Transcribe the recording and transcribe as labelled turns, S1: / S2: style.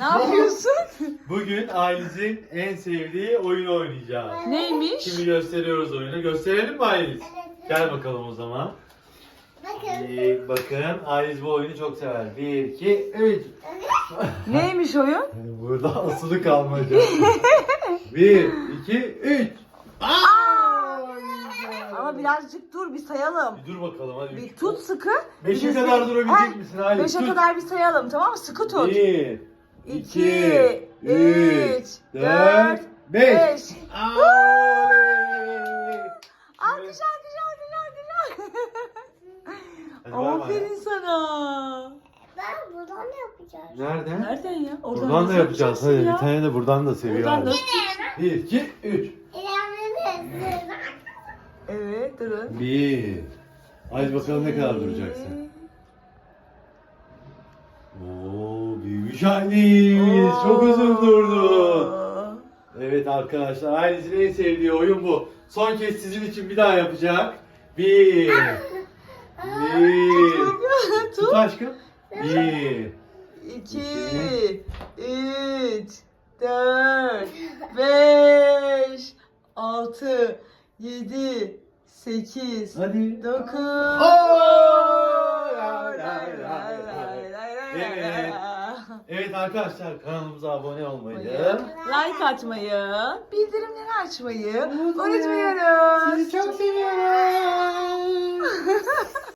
S1: Ne yapıyorsun?
S2: Bugün Ailiz'in en sevdiği oyunu oynayacağız.
S1: Neymiş?
S2: Şimdi gösteriyoruz oyunu. Gösterelim mi Ailiz? Gel bakalım o zaman.
S3: Bakın.
S2: Bakın Ailiz bu oyunu çok sever. 1, 2, 3.
S1: Neymiş oyun?
S2: Burada asılı kalmaca. 1, 2, 3.
S1: Ama birazcık dur bir sayalım.
S2: Bir dur bakalım hadi.
S1: Bir tut sıkı.
S2: 5'e
S1: Biz
S2: kadar
S1: de-
S2: durabilecek misin Ailiz?
S1: 5'e kadar bir sayalım, tamam mı? Sıkı tut.
S2: 1,
S1: 2,
S2: 2,
S1: 3, 4,
S2: 5.
S1: 5.
S2: Alkış
S1: Alkış alkış.
S2: Hadi bay bay.
S1: Aferin sana.
S3: Ben buradan ne yapacağız?
S2: Nereden?
S1: Nereden ya?
S2: Buradan
S1: nasıl
S2: da yapacağız.
S1: yapacaksın
S2: Hadi
S1: ya?
S2: bir tane de buradan da seviyor.
S1: Buradan da.
S2: Ailiz. 1, 2, 3.
S3: İlerlemeniz.
S1: Evet, durun.
S2: 1. Ailiz bakalım ne kadar duracaksın. Oo, büyümüş Ailiz. Çok uzun durdun. Evet arkadaşlar, Ailiz'in en sevdiği oyun bu. Son kez sizin için bir daha yapacak. 1. 1. Tut
S1: Tut.
S2: aşkım. 1.
S1: 2, 3, 4, 5, 6, 7, 8,
S2: Hadi.
S1: 9.
S2: Evet arkadaşlar, kanalımıza abone olmayı,
S1: Like atmayı, bildirimleri açmayı unutmuyoruz.
S2: Sizi çok seviyorum.